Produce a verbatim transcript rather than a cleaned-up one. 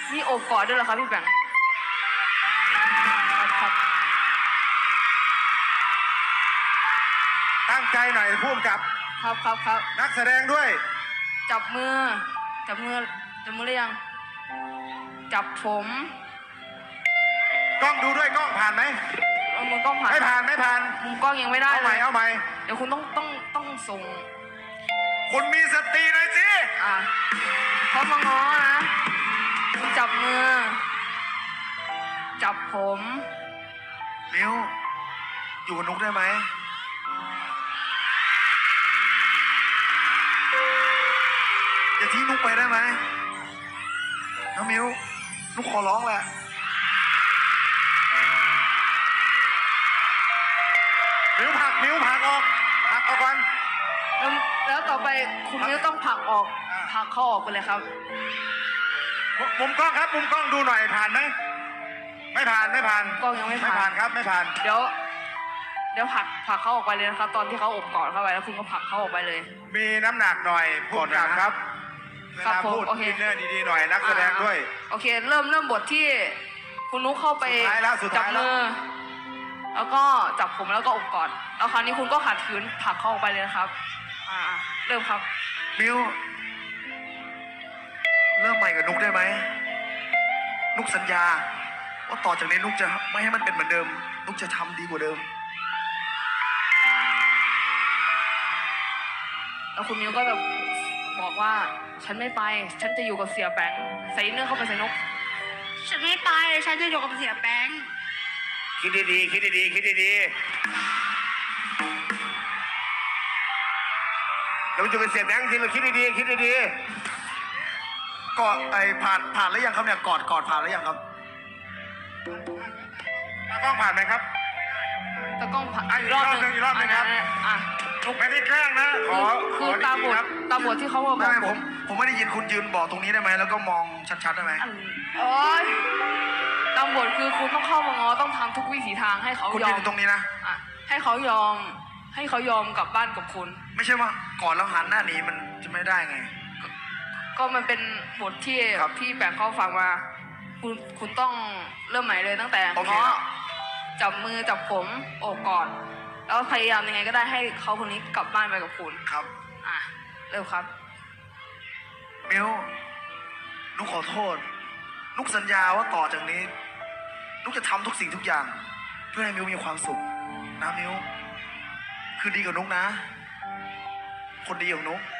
มีโอบกอดด้วยเหรอครับพี่แบงค์ครับครับตั้งใจหน่อยพุ่มกับครับครับครับนักแสดงด้วยจับมือจับมือจับมือหรือยังจับผมกล้องดูด้วยกล้องผ่านไหมเอามือกล้องผ่านไม่ผ่านไม่ผ่านมุมกล้องยังไม่ได้เอาเลใหม่ยเอาใหม่เดี๋ยวคุณต้องต้องต้องส่งคุณมีสติหน่อยสิอ่ะเขามาง้อนะคุณจับมือ จับผมมิวอยู่กับนุกได้ไหมอย่าทิ้งนุกไปได้ไหมน้องมิวนุกขอร้องแหละมิวผลักมิวผลักออกผลักออกก่อนแล้วแล้วต่อไปคุณนิ้วต้องผลักออกอ่าผลักเขาออกไปเลยครับมุมุมกล้องครับมุมกล้องดูหน่อยผ่านไหมไม่ผ่านไม่ผ่านกล้องยังไม่ผ่านไม่ผ่านครับไม่ผ่านเดี๋ยว เดี๋ยวผลักผลักเขาออกไปเลยนะครับ ตอนที่เขาอบกอดเข้าไปแล้วคุณก็ผลักเขาออกไปเลยมีน้ำหนักหน่อยพูดกันครับเวครับลาผมพูดโอเคอินเนอร์ดีๆหน่อยนักแสดงด้วยโอเค เริ่มเริ่มบทที่คุณนุ๊กเข้าไปสุดท้ายแล้วสุดจับท้ายแล้วมือ แล้วก็จับผมแล้วก็อบกอดแล้วคราวนี้คุณก็ขัดขืนผลักเขาออกไปเลยนะครับ อ่า เริ่มครับมิวเริ่มใหม่กับนุกได้ไหมนุกสัญญาว่าต่อจากนี้นุกจะไม่ให้มันเป็นเหมือนเดิม นุกจะทำดีกว่าเดิมแล้วคุณมิวก็แบบบอกว่า ฉันไม่ไป ฉันจะอยู่กับเสียแบงค์ใส่เนื้อเข้าไปใส่นกฉันไม่ไปฉันจะอยู่กับเสียแป้งคิดดีๆคิดดีๆคิดดีๆเราจะเป็นเสียแบงค์จริงเราคิดดีๆคิดดีๆกอดไอ้ผ่านผ่านแล้วยังครับเนี่ยกอดกอดผ่านแล้วยังครับตากล้องผ่านไหมครับตะกล้องผ่านอ่ะอีกรอบหนึ่งอีกรอบหนึ่งครับะอ่ะไม่ได้แกล้งนะขอคือขอตามบดีทๆครับตามบทที่เขาบอกไม่ไม่ผมผมไม่ได้ยินคุณยืนบอกตรงนี้ได้ไหมแล้วก็มองชัดๆได้ไหมอันโอ๊ยตามบทคือคุณต้องเข้ามาง้อต้องทำทุกวิถีทางให้เขาคุณยยือน มตรงนี้นะอ่ะให้เขายอม ให้เขายอมกลับบ้านกับคุณไม่ใช่ว่าก่อนแล้วหันหน้าหนีมันจะไม่ได้ไงก็มันเป็นบทที่ครับพี่แบงค์เขาฟังมา คุณคุณต้องเริ่มใหม่เลยตั้งแต่โอเคง้อครับจับมือจับผมโอบกอดแล้วพยายามยังไงก็ได้ให้เขาคนนี้กลับบ้านไปกับคุณครับอ่ะเริ่มครับมิวนุกขอโทษ นุกสัญญาว่าต่อจากนี้ นุกจะทำทุกสิ่งทุกอย่าง เพื่อให้มิวมีความสุขนะมิวคือดีกับนุกนะ คนดีของนุก